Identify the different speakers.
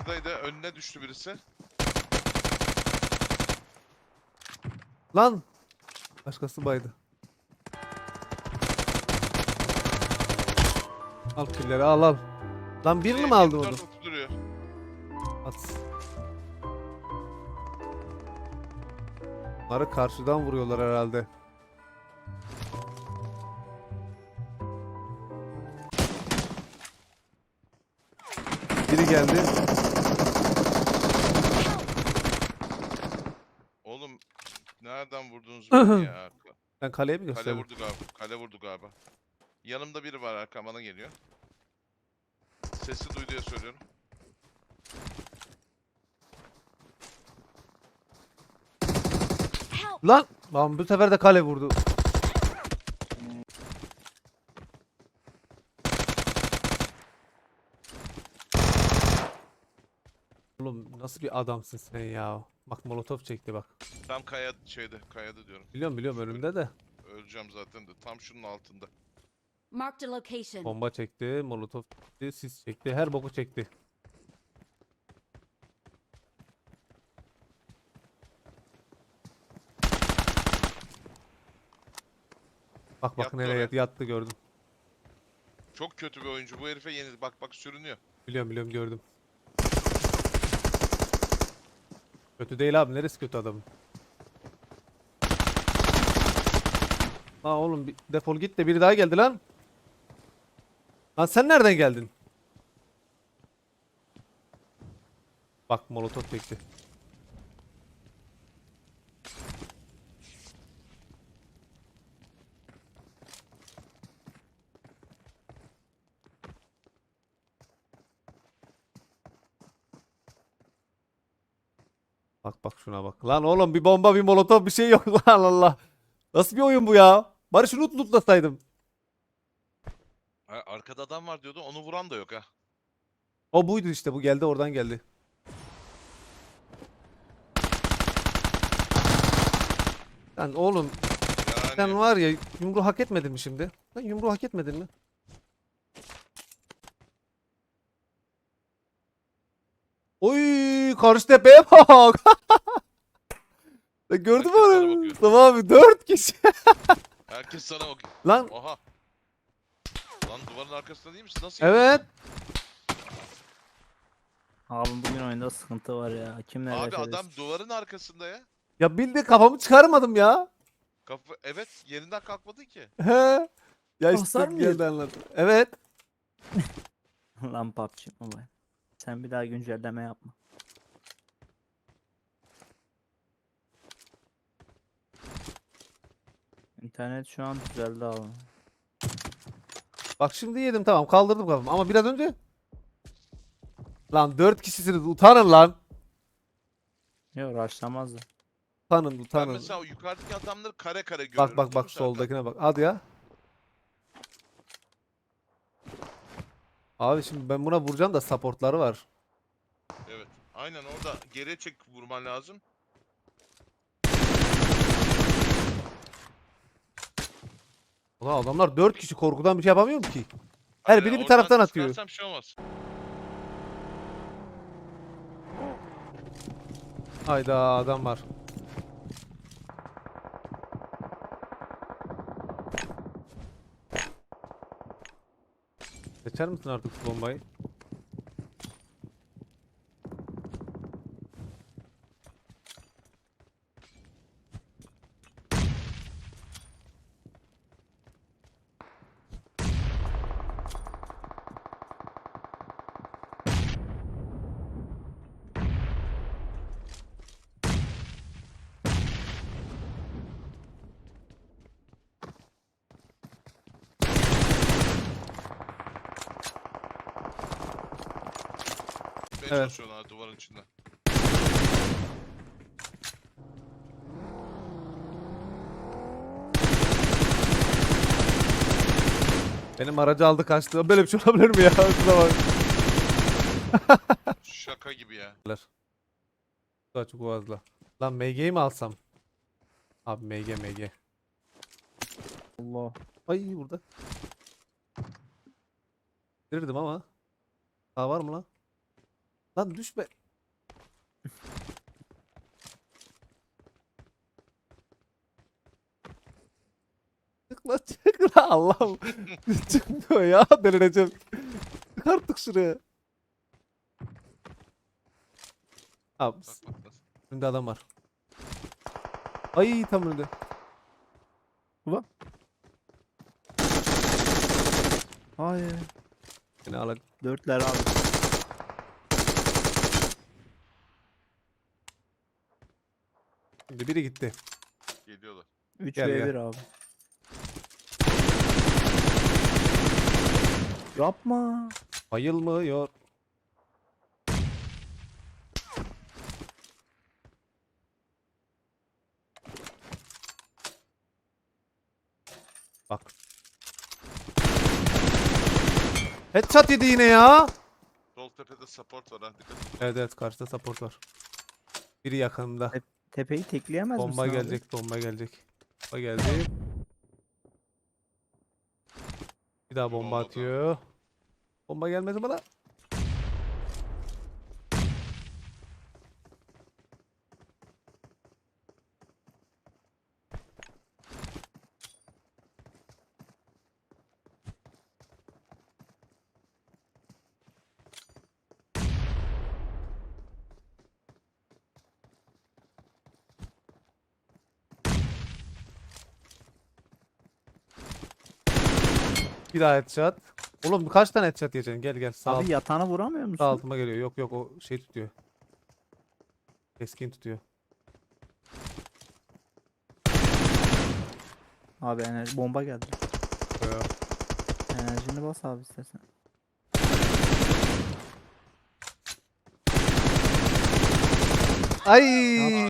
Speaker 1: Buradaydı. Önüne düştü birisi.
Speaker 2: Lan. Başkası baydı. Al killeri al al. Lan birini mi aldın onu?
Speaker 1: M24 duruyor.
Speaker 2: At. Bunları karşıdan vuruyorlar herhalde. Biri geldi.
Speaker 1: Oğlum nereden vurdunuz beni ya?
Speaker 2: Sen kaleye mi
Speaker 1: Kale
Speaker 2: gösterdin?
Speaker 1: vurdu galiba. Kale vurdu galiba. Yanımda biri var, arkam bana geliyor. Sesi duy diye söylüyorum.
Speaker 2: Lan! Lan bu sefer de kale vurdu. Oğlum nasıl bir adamsın sen ya? Bak molotof çekti bak.
Speaker 1: Tam kayada diyorum.
Speaker 2: Biliyorum biliyorum önümde de.
Speaker 1: Öleceğim zaten de. Tam şunun altında.
Speaker 3: Marked a location.
Speaker 2: Bomba çekti, molotof çekti, sis çekti, her boku çekti. Bak
Speaker 1: Yattı
Speaker 2: nereye
Speaker 1: oraya.
Speaker 2: yattı gördüm.
Speaker 1: Çok kötü bir oyuncu. Bu herife yeni. Bak bak sürünüyor.
Speaker 2: Biliyorum gördüm. Kötü değil abi, neresi kötü adamın? Aa oğlum defol git de biri daha geldi lan. Lan sen nereden geldin? Bak molotof çekti. Bak bak şuna bak. Lan oğlum bir bomba bir molotof bir şey yok lan Allah. Nasıl bir oyun bu ya? Bari şunu lootlasaydım.
Speaker 1: Arkada adam var diyordu. Onu vuran da yok ha.
Speaker 2: O buydu işte, bu geldi oradan geldi. Lan oğlum sen
Speaker 1: Yani
Speaker 2: var ya, yumruğu hak etmedin mi şimdi? Lan yumruğu hak etmedin mi? Oy karşı tepeye bak. Gördün mü
Speaker 1: herkes sana
Speaker 2: onu?
Speaker 1: bakıyor.
Speaker 2: Mustafa abi 4 kişi.
Speaker 1: Herkes sana bakıyor.
Speaker 2: Lan
Speaker 1: Oha. Lan duvarın arkasında değil misin? Nasıl yedin?
Speaker 2: evet.
Speaker 4: Abi bugün oyunda sıkıntı var ya. Kimle
Speaker 1: Abi
Speaker 4: referes?
Speaker 1: adam duvarın arkasında ya.
Speaker 2: Ya bildi kafamı çıkarmadım ya.
Speaker 1: Evet, yerinden kalkmadı ki.
Speaker 2: He. Ya işte
Speaker 4: Hasar mı
Speaker 2: geldi
Speaker 4: yedin?
Speaker 2: anladım. Evet.
Speaker 4: Lan PUBG Mobile. Sen bir daha güncelleme yapma. İnternet şu an düzeldi abi.
Speaker 2: Bak şimdi yedim, tamam kaldırdım kafamı ama biraz önce. Lan 4 kişisiniz, utanın lan.
Speaker 4: Yok rushlamazdı.
Speaker 2: Utanın
Speaker 1: Ben
Speaker 2: utanın.
Speaker 1: mesela o yukarıdaki adamları kare kare görüyorum.
Speaker 2: Bak bak
Speaker 1: biliyor
Speaker 2: bak
Speaker 1: musun Serkan?
Speaker 2: soldakine bak. Hadi ya. Abi şimdi ben buna vuracağım da supportları var.
Speaker 1: Evet. Aynen orada geriye çek vurman lazım.
Speaker 2: Ulan adamlar 4 kişi, korkudan bir şey yapamıyorum ki. Her
Speaker 1: Aynen,
Speaker 2: biri bir
Speaker 1: oradan
Speaker 2: taraftan atıyor.
Speaker 1: çıkarsam bir şey olmaz.
Speaker 2: Hayda adam var. Geçer misin artık şu bombayı?
Speaker 1: Ben
Speaker 2: Evet.
Speaker 1: çalışıyorlar duvarın içinde.
Speaker 2: Benim aracı aldı kaçtı. Böyle bir şey olabilir mi ya? Şuna bak.
Speaker 1: Şaka gibi ya.
Speaker 2: Daha çok fazla. Lan MG'yi mi alsam? Abi MG.
Speaker 4: Allah.
Speaker 2: Ay burada. Verirdim ama. Daha var mı lan? Lan düşme. Çık lan çık lan Allah'ım. Çıkmıyor ya delireceğim. Çık artık şuraya. Abi
Speaker 1: Bak bak nasıl.
Speaker 2: önünde adam var. Ay tam önünde.
Speaker 4: Hayır.
Speaker 2: Yine alak.
Speaker 4: Dörtler abi.
Speaker 2: Şimdi biri gitti.
Speaker 1: Geliyorlar.
Speaker 4: 3
Speaker 2: Gel,
Speaker 4: ve
Speaker 2: gel.
Speaker 4: 1 abi. Yapma.
Speaker 2: Bayılmıyor. Bak. Headshot yedi yine ya.
Speaker 1: Sol tepede support var ha. Dikkat et.
Speaker 2: Evet evet karşıda support var. Biri yakınımda.
Speaker 4: Tepeyi tekleyemez misin
Speaker 2: Bomba
Speaker 4: abi?
Speaker 2: gelecek, bomba gelecek. Bomba geldi. Bir daha bomba
Speaker 1: Olmadı.
Speaker 2: atıyor. Bomba gelmedi bana. Bir daha headshot. Oğlum kaç tane headshot yiyeceksin? Gel gel sağ,
Speaker 4: Abi yatağına vuramıyor musun?
Speaker 2: sağ altıma geliyor. Yok yok o şey tutuyor. Keskin tutuyor.
Speaker 4: Abi enerji bomba geldi.
Speaker 2: Yo.
Speaker 4: Enerjini bas abi istersen.
Speaker 2: Ay